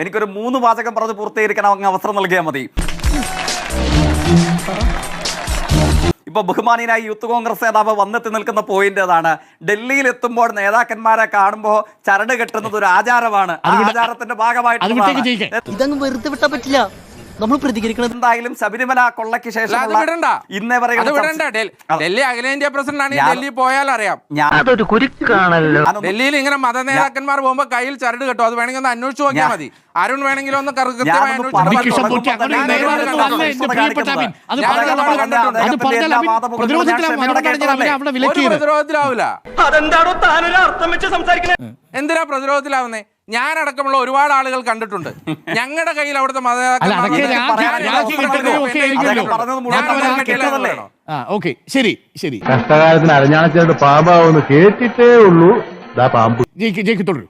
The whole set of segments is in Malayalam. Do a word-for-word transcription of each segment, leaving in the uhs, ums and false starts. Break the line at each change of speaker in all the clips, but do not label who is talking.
എനിക്കൊരു മൂന്ന് വാചകം പറഞ്ഞ് പൂർത്തീകരിക്കാൻ അങ്ങ് അവസരം നൽകിയാൽ മതി. ഇപ്പൊ ബഹുമാനിയായി യൂത്ത് കോൺഗ്രസ് നേതാവ് വന്നെത്തി നിൽക്കുന്ന പോയിന്റ് അതാണ്. ഡൽഹിയിൽ എത്തുമ്പോൾ നേതാക്കന്മാരെ കാണുമ്പോൾ ചരട് കെട്ടുന്നത് ഒരു ആചാരമാണ്. ആ ആചാരത്തിന്റെ ഭാഗമായിട്ട്
ഇതങ്ങ് വെറുതെ വിട്ടാ പറ്റില്ല, നമ്മൾ പ്രതികരിക്കണം.
എന്തായാലും ശബരിമല കൊള്ളയ്ക്ക് ശേഷം ഇന്നേ വരെ
ഡൽഹി അഖിലേന്ത്യാ പ്രസിഡന്റ് ഡൽഹി പോയാൽ അറിയാം.
അതൊരു കുരുക്കാണല്ലോ.
ഡൽഹിയിൽ ഇങ്ങനെ മത നേതാക്കന്മാർ പോകുമ്പോ കയ്യിൽ ചരട് കെട്ടും. അത് വേണമെങ്കിൽ ഒന്ന് അന്വേഷിച്ചു നോക്കിയാൽ മതി. അരുൺ വേണമെങ്കിലും ഒന്ന് കൃത്യമായി പ്രതിരോധത്തിലാവൂല. എന്തിനാ പ്രതിരോധത്തിലാവുന്നേ? ഞാനടക്കമുള്ള ഒരുപാട് ആളുകൾ കണ്ടിട്ടുണ്ട്. ഞങ്ങളുടെ കയ്യിൽ അവിടുത്തെ
കഷ്ടകാലത്തിന് അരഞ്ഞാണച്ചേട്ട് പാമ്പാവെന്ന് കേട്ടിട്ടേ ഉള്ളൂ. പാമ്പ്
തുടരും.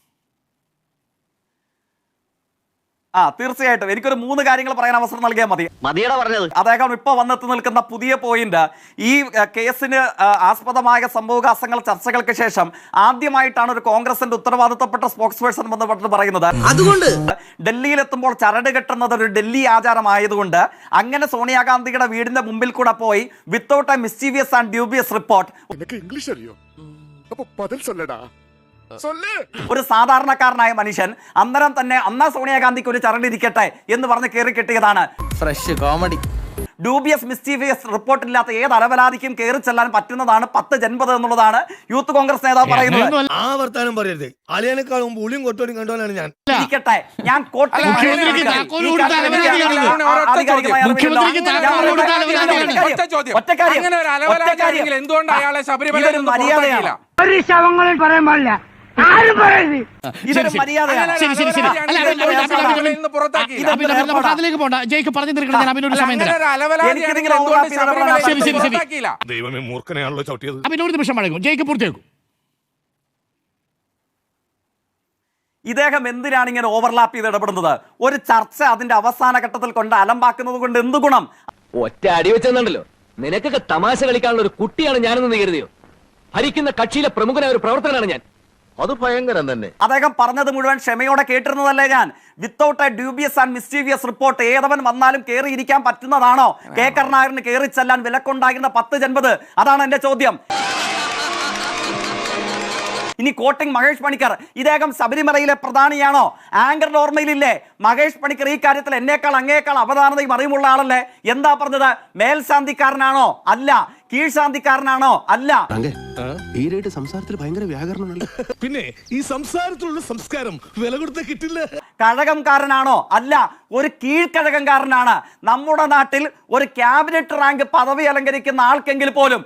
ആ തീർച്ചയായിട്ടും എനിക്കൊരു മൂന്ന് കാര്യങ്ങൾ പറയാൻ അവസരം നൽകിയാൽ മതി. അദ്ദേഹം ഇപ്പൊ വന്നെത്തി നിൽക്കുന്ന പുതിയ പോയിന്റ്, ഈ കേസിന് ആസ്പദമായ സംഭവവികാസങ്ങൾ ചർച്ചകൾക്ക് ശേഷം ആദ്യമായിട്ടാണ് ഒരു കോൺഗ്രസിന്റെ ഉത്തരവാദിത്തപ്പെട്ട സ്പോക്സ് പേഴ്സൺ ബന്ധപ്പെട്ട് പറയുന്നത്. അതുകൊണ്ട് ഡൽഹിയിൽ എത്തുമ്പോൾ ചരട് കെട്ടുന്നത് ഒരു ഡൽഹി ആചാരമായതുകൊണ്ട് അങ്ങനെ സോണിയാഗാന്ധിയുടെ വീടിന്റെ മുമ്പിൽ കൂടെ പോയി without a mysterious and dubious report,
English അറിയോ? അപ്പൊ പതിൽ സൊല്ലടാ.
ഒരു സാധാരണക്കാരനായ മനുഷ്യൻ അന്നേരം തന്നെ അന്നാ സോണിയാഗാന്ധിക്ക് ഒരു ചരടിരിക്കട്ടെ എന്ന് പറഞ്ഞ് കയറി കെട്ടിയതാണ്.
Fresh comedy.
ഡ്യൂബിയസ് മിസ്റ്റീവിയസ് റിപ്പോർട്ടില്ലാത്ത ഏത് അലവലാതിക്കും കയറി ചെല്ലാൻ പറ്റുന്നതാണ് പത്ത് ജൻപത് എന്നുള്ളതാണ് യൂത്ത് കോൺഗ്രസ് നേതാവ് പറയുന്നത്.
ആ വർത്താനം പറയരുത്. അളിയനേക്കാളും പുളിയും കൊട്ടോടും കണ്ടോനാണ് ഞാൻ.
ഇരിക്കട്ടെ, ഞാൻ
എന്തുകൊണ്ട് അയാളെ ശബരിമല
മര്യാദയാണ്.
അതിലേക്ക് പോണ്ട. ജയിക്ക് പറഞ്ഞു തീർക്കണം. ഞാൻ അഭിനോട് സമയം
ദൈവമേ മൂർഖനെയാണല്ലോ ചവിട്ടിയത്.
അഭിനോട് നിമിഷം വഴങ്ങും. ജയിക്ക് പൂർത്തിയാക്കും.
ഇദ്ദേഹം എന്തിനാണ് ഇങ്ങനെ ഓവർലാപ്പ് ചെയ്ത് ഇടപെടുന്നത്? ഒരു ചർച്ച അതിന്റെ അവസാന ഘട്ടത്തിൽ കൊണ്ട് അലമ്പാക്കുന്നത് കൊണ്ട് എന്ത് ഗുണം?
ഒറ്റ അടി വെച്ചെന്നുണ്ടല്ലോ. നിനക്കൊക്കെ തമാശ കളിക്കാനുള്ള ഒരു കുട്ടിയാണ് ഞാനെന്ന് കരുതിയോ? ഭരിക്കുന്ന കക്ഷിയിലെ പ്രമുഖനായ ഒരു പ്രവർത്തകനാണ് ഞാൻ.
അത് ഭയങ്കരം തന്നെ.
അദ്ദേഹം പറഞ്ഞത് മുഴുവൻ ക്ഷമയോടെ കേട്ടിരുന്നതല്ലേ ഞാൻ? Without a dubious and mysterious report ഏതവൻ വന്നാലും കയറി ഇരിക്കാൻ പറ്റുന്നതാണോ? കെ കരുണാകരന് കയറി ചെല്ലാൻ വിലക്കുണ്ടാകുന്ന പത്ത് ജൻപത്? അതാണ് എന്റെ ചോദ്യം. ഇനി കോട്ടിംഗ് മഹേഷ് പണിക്കർ, ഇദ്ദേഹം ശബരിമലയിലെ പ്രധാനിയാണോ? ആങ്കറിന്റെ ഓർമ്മയിലില്ലേ മഹേഷ് പണിക്കർ ഈ കാര്യത്തിൽ എന്നേക്കാൾ അങ്ങേക്കാൾ അവധാനതയും അറിവുള്ള ആളല്ലേ? എന്താ പറഞ്ഞത്? മേൽശാന്തിക്കാരനാണോ? അല്ല. കീഴ്ശാന്തിക്കാരനാണോ? അല്ല.
സംസാരത്തിൽ ഭയങ്കര വ്യാകരണമല്ല.
പിന്നെ ഈ സംസാരത്തിലുള്ള സംസ്കാരം വില കൊടുത്ത കിട്ടില്ല.
കഴകംകാരനാണോ? അല്ല. ഒരു കീഴ്ക്കഴകംകാരനാണ്. നമ്മുടെ നാട്ടിൽ ഒരു ക്യാബിനറ്റ് റാങ്ക് പദവി അലങ്കരിക്കുന്ന ആൾക്കെങ്കിൽ പോലും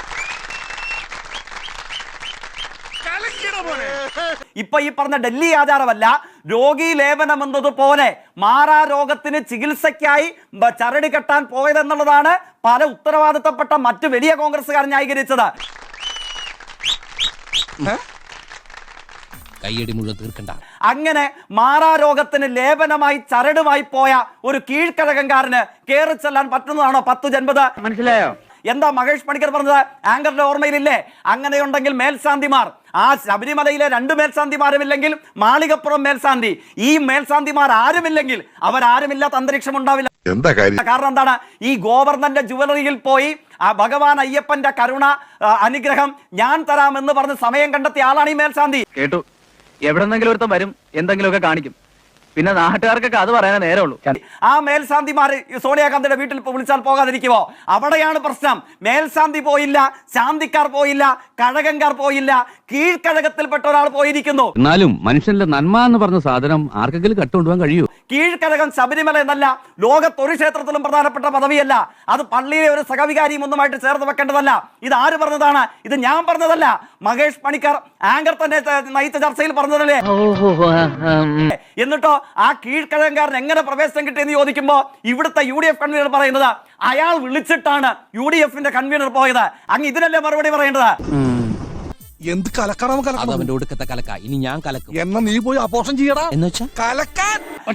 ഇപ്പൊ ഈ പറഞ്ഞ ഡൽഹി ആചാരമല്ല, രോഗി ലേപനം എന്നതുപോലെ മാറാ രോഗത്തിന് ചികിത്സയ്ക്കായി ചരട് കെട്ടാൻ പോയതെന്നുള്ളതാണ് പല ഉത്തരവാദിത്തപ്പെട്ട മറ്റു വലിയ കോൺഗ്രസ്സുകാർ ന്യായീകരിച്ചത്.
കയ്യടി മുഴുവൻ തീർക്കണ്ട.
അങ്ങനെ മാറാ രോഗത്തിന് ലേപനമായി ചരടുമായി പോയ ഒരു കീഴ്ക്കഴകംകാരന് കയറി ചെല്ലാൻ പറ്റുന്നതാണോ പത്ത് ജൻപത്?
മനസ്സിലായോ?
എന്താ മഹേഷ് പണിക്കർ പറഞ്ഞത്? ആങ്കറിന്റെ ഓർമ്മയിലില്ലേ? അങ്ങനെയുണ്ടെങ്കിൽ മേൽശാന്തിമാർ, ആ ശബരിമലയിലെ രണ്ട് മേൽശാന്തിമാരുമില്ലെങ്കിൽ മാളികപ്പുറം മേൽശാന്തി, ഈ മേൽശാന്തിമാർ ആരുമില്ലെങ്കിൽ അവരാരുമില്ലാത്ത അന്തരീക്ഷം ഉണ്ടാവില്ല.
എന്താ കാര്യം?
കാരണം എന്താണ്? ഈ ഗോവർദ്ധന്റെ ജുവലറിയിൽ പോയി ആ ഭഗവാൻ അയ്യപ്പന്റെ കരുണ അനുഗ്രഹം ഞാൻ തരാം എന്ന് പറഞ്ഞ് സമയം കണ്ടെത്തിയ ആളാണ് ഈ മേൽശാന്തി.
കേട്ടു, എവിടെന്നെങ്കിലും ഒരുത്തം വരും, എന്തെങ്കിലുമൊക്കെ കാണിക്കും. പിന്നെ നാട്ടുകാർക്കൊക്കെ അത് പറയാനേ നേരമുള്ളൂ.
ആ മേൽശാന്തിമാർ സോണിയാഗാന്ധിയുടെ വീട്ടിൽ വിളിച്ചാൽ പോകാതിരിക്കുമോ? അവിടെയാണ് പ്രശ്നം. മേൽശാന്തി പോയില്ല, ശാന്തിക്കാർ പോയില്ല, കഴകംകാർ പോയില്ല, കീഴ്ക്കഴകത്തിൽപ്പെട്ട ഒരാൾ പോയിരിക്കുന്നു.
എന്നാലും മനുഷ്യന്റെ നന്മ എന്ന് പറഞ്ഞ സാധനം ആർക്കെങ്കിലും കട്ടുകൊണ്ടുപോകാൻ കഴിയൂ?
കീഴ്ക്കഴകം ശബരിമല എന്നല്ല, ലോകത്തൊരു ക്ഷേത്രത്തിലും പ്രധാനപ്പെട്ട പദവിയല്ല. അത് പള്ളിയിലെ ഒരു സഹവികാരിയും ഒന്നുമായിട്ട് ചേർത്ത് വെക്കേണ്ടതല്ല. ഇത് ആര് പറഞ്ഞതാണ്? ഇത് ഞാൻ പറഞ്ഞതല്ല. മഹേഷ് പണിക്കർ ആങ്കർ തന്നെ നയിച്ച ചർച്ചയിൽ പറഞ്ഞതല്ലേ? എന്നിട്ടോ ആ കീഴ്ക്കഴകംകാരൻ എങ്ങനെ പ്രവേശനം കിട്ടിയെന്ന് ചോദിക്കുമ്പോ ഇവിടുത്തെ യു ഡി എഫ് കൺവീനർ പറയുന്നത് അയാൾ വിളിച്ചിട്ടാണ് യു ഡി എഫിന്റെ കൺവീനർ പോയത്. അങ്ങ് ഇതിനല്ലേ മറുപടി പറയേണ്ടത്?
എന്ത് കലക്കണം
അവന്റെ ഒടുക്കത്തെ കലക്ക. ഇനി ഞാൻ കലക്കും.
എന്നാ നീ പോയി അപോഷം ചെയ്യടാ
എന്ന് വെച്ചാ
കലക്കാൻ.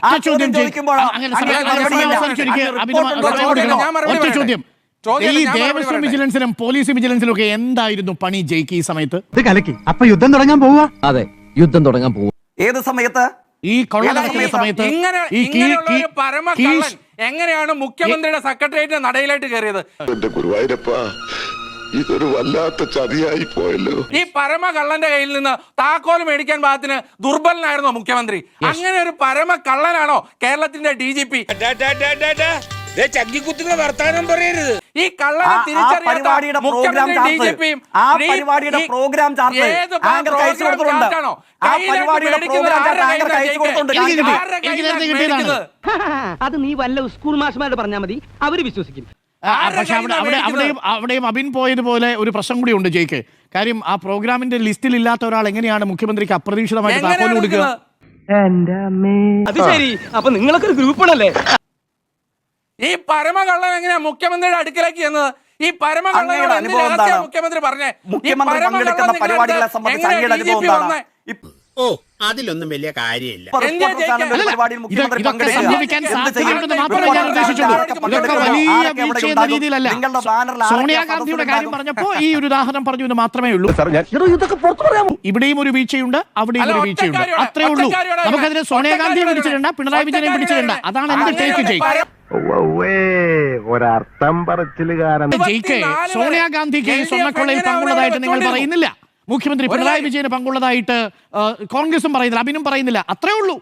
വിജിലൻസിനും പോലീസ് വിജിലൻസിലും ഒക്കെ എന്തായിരുന്നു പണി ജയിക്ക് ഈ സമയത്ത്?
ഇത് കലക്കി. അപ്പൊ യുദ്ധം തുടങ്ങാൻ പോവാ?
അതെ, യുദ്ധം തുടങ്ങാൻ പോവാ.
ഏത് സമയത്ത്?
ഈ കൊള്ള
അല്ല,
നടക്കുന്ന
ഈ-
സമയത്ത്
ഇങ്ങനെ
ഈ കീ-
ഇങ്ങനെയുള്ള
കീ-
ഒരു പരമ
കീ-
കള്ളൻ എങ്ങനെയാണ് മുഖ്യമന്ത്രിയുടെ സെക്രട്ടേറിയറ്റിന്റെ നടയിലായിട്ട് കയറിയത്?
എന്റെ ഗുരുവായൂരപ്പ ഇതൊരു വല്ലാത്ത ചതിയായി പോയല്ലോ.
ഈ പരമ കള്ളന്റെ കയ്യിൽ നിന്ന് താക്കോൽ മേടിക്കാൻ പാകത്തിന് ദുർബലനായിരുന്നോ മുഖ്യമന്ത്രി? അങ്ങനെ ഒരു പരമ കള്ളനാണോ കേരളത്തിന്റെ ഡി ജി പി?
ചക്കിക്കുത്തുന്ന വർത്താനം പറയരുത്.
ഈ കള്ളനെ
ആ- ആ
തിരിച്ചറിയാത്ത
പരിപാടിയുടെ പ്രോഗ്രാം
മുഖ്യമന്ത്രി ഡി ജി
ചാർട്ട്
പിയും
ആ പരിപാടിയുടെ പ്രോഗ്രാം ചാർട്ട്
ഏത്
ആങ്കർ അയച്ചു
പ്രോഗ്രാം
കൊടുത്തിട്ടുണ്ട്.
ചാർട്ടാണോ?
ആ
കയ്യിലേക്ക്
പരിപാടിയുടെ
മേടിക്കുന്നത്
പ്രോഗ്രാം ചാർട്ട്
ആരുടെ
ആങ്കർ
കയ്യിലാണ്
അയച്ചു കൊടുത്തിട്ടുണ്ട്.
എനിക്ക് കിട്ടി.
ആരുടെ
എനിക്ക്
കയ്യിലാണ്
നേരത്തെ കിട്ടിയതാണ്.
മേടിക്കുന്നത്?
അത് നീ വല്ല സ്കൂൾ മാഷ്മാരോട് പറഞ്ഞാൽ മതി, അവര് വിശ്വസിക്കും.
ആ,
ആരുടെ
പക്ഷെ അവിടെ
കയ്യിലാണ്
അവിടെ അവിടെയും അവിടെയും അബിൻ പോയതുപോലെ ഒരു പ്രശ്നം കൂടി ഉണ്ട് ജയിക്ക്. കാര്യം ആ പ്രോഗ്രാമിന്റെ ലിസ്റ്റിൽ ഇല്ലാത്ത ഒരാൾ എങ്ങനെയാണ് മുഖ്യമന്ത്രിക്ക് അപ്രതീക്ഷിതമായിട്ട് താക്കോൽ
എങ്ങനെയാണ്
കൊടുക്കുക?
കൊടുക്കുന്നത്?
അത് ശരി, അപ്പൊ നിങ്ങളൊക്കെ ഒരു ഗ്രൂപ്പാണല്ലേ?
ഈ പരമകള്ളൻ എങ്ങനെയാ മുഖ്യമന്ത്രിയുടെ അടുക്കലേക്ക് ചെന്നത്? ഈ പരമകള്ളനോട്
അങ്ങയുടെ
എന്ത്
അനുഭവം
രഹസ്യം
എന്താണ്?
മുഖ്യമന്ത്രി പറഞ്ഞേ? ഈ
മുഖ്യമന്ത്രി
പരമകള്ളൻ
പങ്കെടുക്കുന്ന
നിങ്ങളുടെ
പരിപാടികളെ സംബന്ധിച്ച്
എങ്ങനെയാ
അങ്ങയുടെ
ഡി ജി പി
അനുഭവം
വന്നേ?
എന്താണ്? ഇപ്പ-
ഓ അതിലൊന്നും വലിയ കാര്യമില്ല.
ഇപ്പോ
എന്തിനാ
റിപ്പോർട്ടർ ചാനലിന്റെ
ജയിക്കാൻ?
പരിപാടിയിൽ
ഇത്
മുഖ്യമന്ത്രി
ഇതൊക്കെ
പങ്കെടുക്കുക.
സംഭവിക്കാൻ
എന്ത് ചെയ്യും?
സാധ്യതയുണ്ടെന്ന് മാത്രമേ ഞാൻ
റിപ്പോർട്ടർ
ഉദ്ദേശിച്ചുള്ളൂ.
ആരൊക്കെ
ഇതൊക്കെ
പങ്കെടുക്കുന്നു?
വലിയ
ആരൊക്കെ അവിടെ
വീഴ്ച എന്ന
ഉണ്ടാകും?
രീതിയിലല്ല.
നിങ്ങളുടെ ബാനറിൽ ആരൊക്കെ
സോണിയാഗാന്ധിയുടെ കാര്യം
സദസ്സിലുണ്ടാകും?
പറഞ്ഞപ്പോ ഈ ഒരു ഉദാഹരണം പറഞ്ഞു എന്ന് മാത്രമേ ഉള്ളൂ. ഇവിടെയും ഒരു വീഴ്ചയുണ്ട്, അവിടെയും
അല്ല,
ഒരു വീഴ്ചയുണ്ട്.
ഒറ്റക്കാരിയോടെ-
അത്രേ ഉള്ളൂ.
ഒറ്റക്കാരിയോടെ
നമുക്കതിന് സോണിയാഗാന്ധിയെ
ഒറ്റക്കാരിയോടെ
പിടിച്ചിട്ടുണ്ട്, പിണറായി വിജയനെ പിടിച്ചിട്ടുണ്ട്. അതാണ് എന്ത്
അങ്ങനെ
ടേക്ക് ജയിക്ക്.
പര-
ഒരർത്ഥം പറച്ചിലുകാരൻ.
ജയിക്ക്
ഇരുപത്തിനാല്
സോണിയാഗാന്ധിക്ക്
വരെ
സ്വർണ്ണക്കൊള്ളയിൽ
എൽ ഡി എഫ്
പങ്കുള്ളതായിട്ട് നിങ്ങൾ
എങ്ങനെ
പറയുന്നില്ല. മുഖ്യമന്ത്രി
ഒരു
പിണറായി
കാര്യം-
വിജയന് പങ്കുള്ളതായിട്ട് ആ, കോൺഗ്രസും പറയുന്നില്ല, അബിനും പറയുന്നില്ല. അത്രേ ഉള്ളൂ.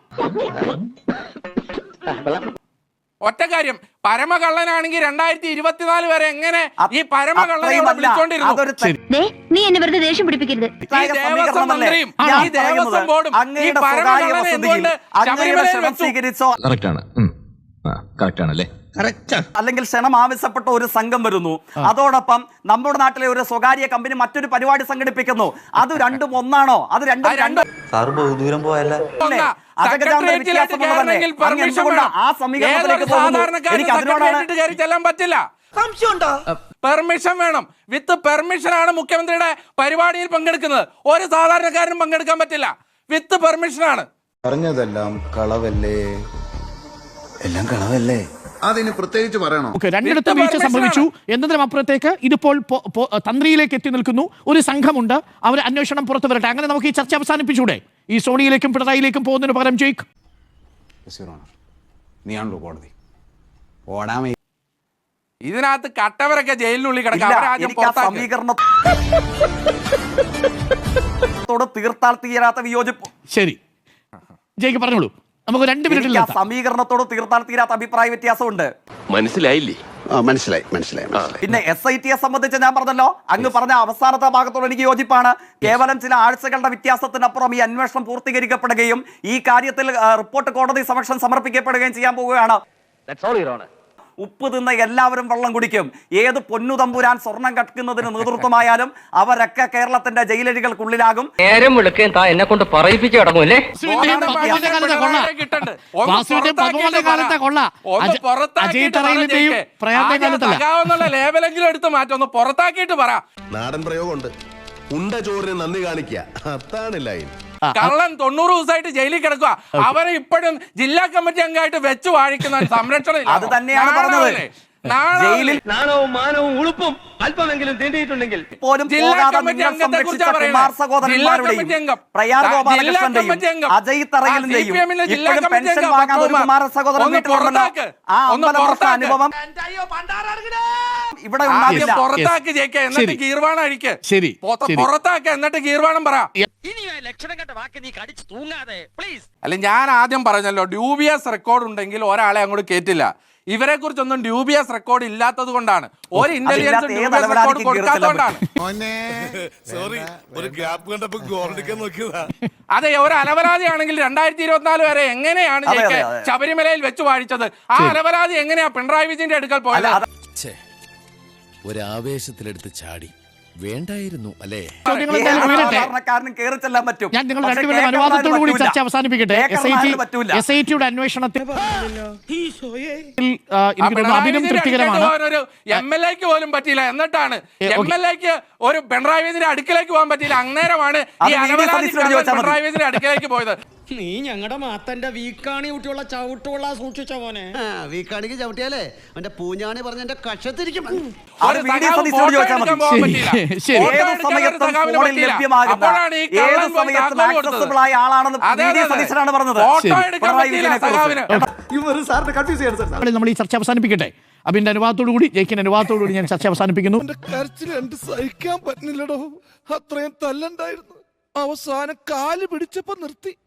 ഒറ്റ കാര്യം, പരമകള്ളനാണെങ്കിൽ രണ്ടായിരത്തി ഇരുപത്തിനാല് വരെ എങ്ങനെ ഈ പരമകള്ളനെ
അത്രയുമല്ല.
വിളിച്ചോണ്ടിരുന്നു?
അതൊരു തെ-
നീ എന്നെ വെറുതെ ദേഷ്യം പിടിപ്പിക്കരുത്.
ഈ
തെറ്റായ
ദേവസ്വം
സമീകരണമല്ലേ?
മന്ത്രിയും
ഞാൻ
ഈ ദേവസ്വം
പറയുന്നത്
ബോർഡും ഈ
അങ്ങയുടെ സ്വകാര്യ
പരമകള്ളനെ
വസതിയിൽ
എന്തുകൊണ്ട്
അങ്ങയുടെ
ശബരിമലയിൽ
ക്ഷണം
വെച്ചു?
സ്വീകരിച്ചോ
കറക്റ്റാണ് കറക്റ്റാണല്ലേ?
അല്ലെങ്കിൽ ക്ഷണം ആവശ്യപ്പെട്ട ഒരു സംഘം വരുന്നു, അതോടൊപ്പം നമ്മുടെ നാട്ടിലെ ഒരു സ്വകാര്യ കമ്പനി മറ്റൊരു പരിപാടി സംഘടിപ്പിക്കുന്നു. അത് രണ്ടും ഒന്നാണോ? അത് രണ്ടും
ആ രണ്ടും
അല്ലേ?
ഒന്നാ.
അജഗജാന്തര
സെക്രട്ടേറിയറ്റിലേക്ക്
വ്യത്യാസമുള്ളതല്ലേ?
കയറണമെങ്കിൽ
അങ്ങ്
പെർമിഷൻ
എന്തുകൊണ്ടാ
വേണം.
ആ സമീകരണത്തിലേക്ക്
ഏതൊരു
പോകുന്നു?
സാധാരണക്കാരനും
എനിക്ക് അതിനോടാണ്
സെക്രട്ടേറിയറ്റിൽ കയറി ചെല്ലാൻ പറ്റില്ല. പെർമിഷൻ വേണം. വിത്ത് പെർമിഷൻ ആണ് മുഖ്യമന്ത്രിയുടെ പരിപാടിയിൽ പങ്കെടുക്കുന്നത്. ഒരു സാധാരണക്കാരനും പങ്കെടുക്കാൻ പറ്റില്ല. വിത്ത് പെർമിഷൻ ആണ്.
പറഞ്ഞതെല്ലാം കളവല്ലേ? എല്ലാം കളവല്ലേ? അതിന് പ്രത്യേകിച്ച് പറയണോ?
ഓക്കെ, രണ്ടിടത്തും വീഴ്ച സംഭവിച്ചു എന്നതിനും അപ്പുറത്തേക്ക് ഇതിപ്പോൾ പൊ- പൊ- തന്ത്രിയിലേക്ക് എത്തി നിൽക്കുന്നു. ഒരു സംഘമുണ്ട്, അവർ അന്വേഷണം പുറത്തു വരട്ടെ. അങ്ങനെ നമുക്ക് ഈ ചർച്ച അവസാനിപ്പിച്ചൂടെ? ഈ സോണിയിലേക്കും പിണറായിലേക്കും പോകുന്നതിന് പകരം ജയിക്ക്.
നീയാണല്ലോ കോടതി ഓടാമേ.
ഇതിനകത്ത് കട്ടവരൊക്കെ ജയിലിനുള്ളിൽ കിടക്കാം.
ഇല്ല,
അവരാദ്യം
എനിക്ക് ആ
പുറത്താക്ക്.
സമീകരണത്തോട് തീർത്താൽ തീരാത്ത വിയോജിപ്പ്.
ശരി, ജയിക്ക് പറഞ്ഞോളൂ. നമുക്ക് രണ്ട് മിനിറ്റിൽ
എനിക്ക് ആ
നിർത്താം.
സമീകരണത്തോട് തീർത്താൽ തീരാത്ത അഭിപ്രായ വ്യത്യാസമുണ്ട്.
മനസ്സിലായില്ലേ?
മനസ്സിലായി മനസ്സിലായി മനസ്സിലായി.
പിന്നെ എസ് ഐ ടിയെ സംബന്ധിച്ച് ഞാൻ പറഞ്ഞല്ലോ, അങ്ങ് പറഞ്ഞ അവസാനത്തെ ഭാഗത്തോട് എനിക്ക് യോജിപ്പാണ്. കേവലം ചില ആഴ്ചകളുടെ വ്യത്യാസത്തിനപ്പുറം ഈ അന്വേഷണം പൂർത്തീകരിക്കപ്പെടുകയും ഈ കാര്യത്തിൽ ആ, റിപ്പോർട്ട് കോടതി സമക്ഷം സമർപ്പിക്കപ്പെടുകയും ചെയ്യാൻ പോവുകയാണ്. ഉപ്പ് തിന്ന എല്ലാവരും വെള്ളം കുടിക്കും. ഏത് പൊന്നു തമ്പുരാൻ സ്വർണം കട്ടുന്നതിന് നേതൃത്വമായാലും അവരൊക്കെ കേരളത്തിന്റെ ജയിലഴികൾക്കുള്ളിലാകും.
നേരം വിളിക്കാൻ താ എന്നെ കൊണ്ട് പറയിപ്പിച്ചു കിടങ്ങൂല്ലേ?
വാസുവിന്റെയും പത്മകുമാറിന്റെ കാലത്തെ കൊള്ള. വാസുവിന്റെയും പത്മകുമാറിന്റെ കാലത്തെ കൊള്ള.
ഒന്ന്
അജ-
പുറത്താക്കിയിട്ട്
അജയ്
പറ
തറയിലിന്റെയും
ജയിക്ക്.
പ്രയാറിന്റെ
ആദ്യം
കാലത്തല്ല.
സഖാവെന്നുള്ള ലേബലെങ്കിലും എടുത്ത് മാറ്റി ഒന്ന് പുറത്താക്കിയിട്ട് പറ.
നാടൻ പ്രയോഗമുണ്ട്. ഉണ്ട ചോറിന് നന്ദി കാണിക്കുക, അതാണ് ലൈൻ.
കള്ളൻ തൊണ്ണൂറ് ദിവസമായിട്ട് ജയിലിൽ കിടക്കുക. അവരെ ഇപ്പോഴും ജില്ലാ കമ്മിറ്റി അംഗമായിട്ട് വെച്ച് വാഴിക്കുന്ന സംരക്ഷണം
അത് തന്നെയാണ് പറഞ്ഞത്. ജയിലിൽ
നാണവും മാനവും ഉളുപ്പും അല്പമെങ്കിലും തീണ്ടിയിട്ടുണ്ടെങ്കിൽ
പോലും
ജില്ലാ
പോകാതെ
കമ്മിറ്റി
നിങ്ങൾ
അംഗത്തെ
സംരക്ഷിച്ച
കുറിച്ചാ പറയുന്നത്.
കുമാർ
ജില്ലാ
സഹോദരന്മാരുടെയും
കമ്മിറ്റി അംഗം.
പ്രയാർ
ജില്ലാ
ഗോപാലകൃഷ്ണന്റെയും
കമ്മിറ്റി അംഗം.
അജയ് തറയിലിന്റെയും
ആ, സി പി എമ്മിന്റെ ജില്ലാ
ഇപ്പോഴും
കമ്മിറ്റി
പെൻഷൻ
അംഗം
വാങ്ങാതെ ഒരു
പത്മകുമാർ.
കുമാര സഹോദരൻ
ഒന്ന്
വീട്ടിലുണ്ടല്ലോ.
പുറത്താക്ക്.
ആ
ഒന്ന്
അമ്പലപ്രശ്ന
പുറത്താക്ക്.
അനുഭവം ഇവിടെ
ആദ്യം
ഉണ്ടാവില്ല.
പുറത്താക്ക് ജയിക്ക, എന്നിട്ട്
ശരി.
ഗീർവാണം അഴിക്ക്.
ശരി,
പുറത്ത്
ശരി.
പുറത്താക്ക്, എന്നിട്ട് ഗീർവാണം പറ.
ലക്ഷണം കെട്ട വാക്ക് നീ കടിച്ചു തൂങ്ങാതെ പ്ലീസ്.
അല്ല, ഞാൻ ആദ്യം പറഞ്ഞല്ലോ, ഡ്യൂബിയസ് റെക്കോർഡ് ഉണ്ടെങ്കിൽ ഒരാളെ അങ്ങോട്ട് കേറ്റില്ല. ഇവരെ കുറിച്ചൊന്നും ഡ്യൂബിയസ് റെക്കോർഡ് ഇല്ലാത്തത് കൊണ്ടാണ്. ഒരു ഇന്റലിജൻസ്
അതില്ലാത്ത ഏത്
ഡ്യൂബിയസ് റെക്കോർഡ്
അലവലാതിക്കും
കൊടുക്കാത്തതുകൊണ്ടാണ്.
സോറി, ഒരു ഗ്യാപ്പ് കണ്ടപ്പോ ഗോൾഡിക്കാൻ നോക്കിയതാ.
അതെ, ഒരു അലവലാതി ആണെങ്കിൽ രണ്ടായിരത്തി ഇരുപത്തിനാല് വരെ എങ്ങനെയാണ്
അതെ,
ജയിക്ക്
അതെ, അതെ.
ശബരിമലയിൽ വെച്ച് വാഴിച്ചത്? ആ അലവലാതി എങ്ങനെയാ പിണറായി വിജയന്റെ അടുക്കൽ പോയത്?
ഒരാവേശത്തിലെടുത്ത് ചാടി വേണ്ടായിരുന്നു അല്ലേ?
ചോദ്യങ്ങൾ
ഏത്
എന്തായാലും ഉയരട്ടെ.
സാധാരണക്കാരനും കയറി ചെല്ലാൻ പറ്റും.
ഞാൻ നിങ്ങൾ
പക്ഷേ
രണ്ടുപേരുടെ
കേക്കർമാരിന്
അനുവാദത്തോടു കൂടി
പറ്റൂല.
ചർച്ച അവസാനിപ്പിക്കട്ടെ. എസ് ഐ ടി
കേക്കർമാരിന് പറ്റൂല.
എസ് ഐ ടിയുടെ അന്വേഷണത്തിൽ ആ,
ആ
എനിക്ക് തോന്നുന്നു
പിണറായി
അഭിനം
വിജയന്റെ
തൃപ്തികരമാണ്.
അടുക്കലേക്ക് പോകാൻ ഒരു എം എൽ എക്ക് പോലും പറ്റിയില്ല. എന്നിട്ടാണ്
ഏ,
എം
ഓക്കേ.
എൽ എക്ക് ഒരു പിണറായി വിജയന്റെ അടുക്കലേക്ക് പോകാൻ പറ്റിയില്ല. അന്നേരമാണ്
അത്
ഈ
വി ഡി
അലവലാതി
സതീശനോട് ചോദിച്ചാൽ മതി.
പിണറായി വിജയന്റെ അടുക്കലേക്ക് പോയത്.
നീ ഞങ്ങളുടെ മാത്തന്റെ വീക്കാണി കുട്ടിയുള്ള ചവിട്ടുള്ള സൂക്ഷിച്ച മോനെ
വീക്കാണിക്ക് ചവിട്ടിയാലേ എന്റെ പൂഞ്ഞാണി പറഞ്ഞ എന്റെ കഷത്തിരിക്കും
അത് വി ഡി സതീശനോട് ചോദിച്ചാൽ മതി.
ശരി.
ഏത് സമയത്തും ഫോണിൽ ലഭ്യമാകുന്ന ഏത് സമയത്തും ആക്സസിബിൾ ആയ ആളാണെന്ന് വി ഡി സതീശനാണ് പറഞ്ഞത്. പിണറായി വിജയനെ കുറിച്ച്
നമ്മൾ ഈ ചർച്ച അവസാനിപ്പിക്കട്ടെ. അബിന്റെ അനുവാദത്തോടു കൂടി ജയിക്കിന്റെ അനുവാദത്തോടു കൂടി ഞാൻ ചർച്ച അവസാനിപ്പിക്കുന്നു.
കരച്ചിൽ രണ്ട് സഹിക്കാൻ പറ്റുന്നില്ലടോ. അത്രയും തല്ലുണ്ടായിരുന്നു. അവസാനം കാല് പിടിച്ചപ്പോ നിർത്തി.